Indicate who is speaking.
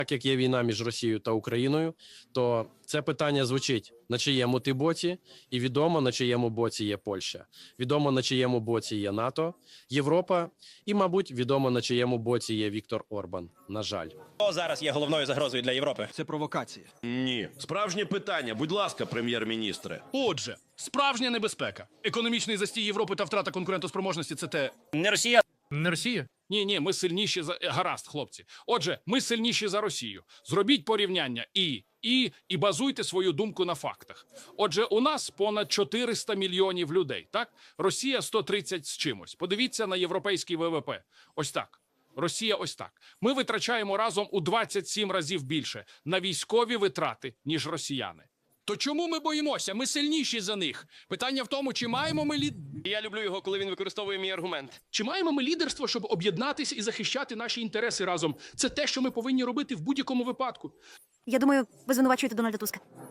Speaker 1: Так як є війна між Росією та Україною, то це питання звучить, на чиєму ти боці, і відомо, на чиєму боці є Польща. Відомо, на чиєму боці є НАТО, Європа і, мабуть, відомо, на чиєму боці є Віктор Орбан. На жаль.
Speaker 2: Хто зараз є головною загрозою для Європи?
Speaker 3: Це провокація.
Speaker 4: Ні. Справжнє питання. Будь ласка, прем'єр-міністре.
Speaker 5: Отже, справжня небезпека. Економічний застій Європи та втрата конкурентоспроможності – це те...
Speaker 2: Не Росія.
Speaker 5: Не Росія? Ні, ми сильніші за... Гаразд, хлопці. Отже, ми сильніші за Росію. Зробіть порівняння і базуйте свою думку на фактах. Отже, у нас понад 400 мільйонів людей, так? Росія 130 з чимось. Подивіться на європейський ВВП. Ось так. Росія ось так. Ми витрачаємо разом у 27 разів більше на військові витрати, ніж росіяни. То чому ми боїмося? Ми сильніші за них. Питання в тому, чи маємо ми
Speaker 2: Я люблю його, коли він використовує мій аргумент.
Speaker 5: Чи маємо ми лідерство, щоб об'єднатися і захищати наші інтереси разом? Це те, що ми повинні робити в будь-якому випадку.
Speaker 6: Я думаю, ви звинувачуєте Дональда Туска.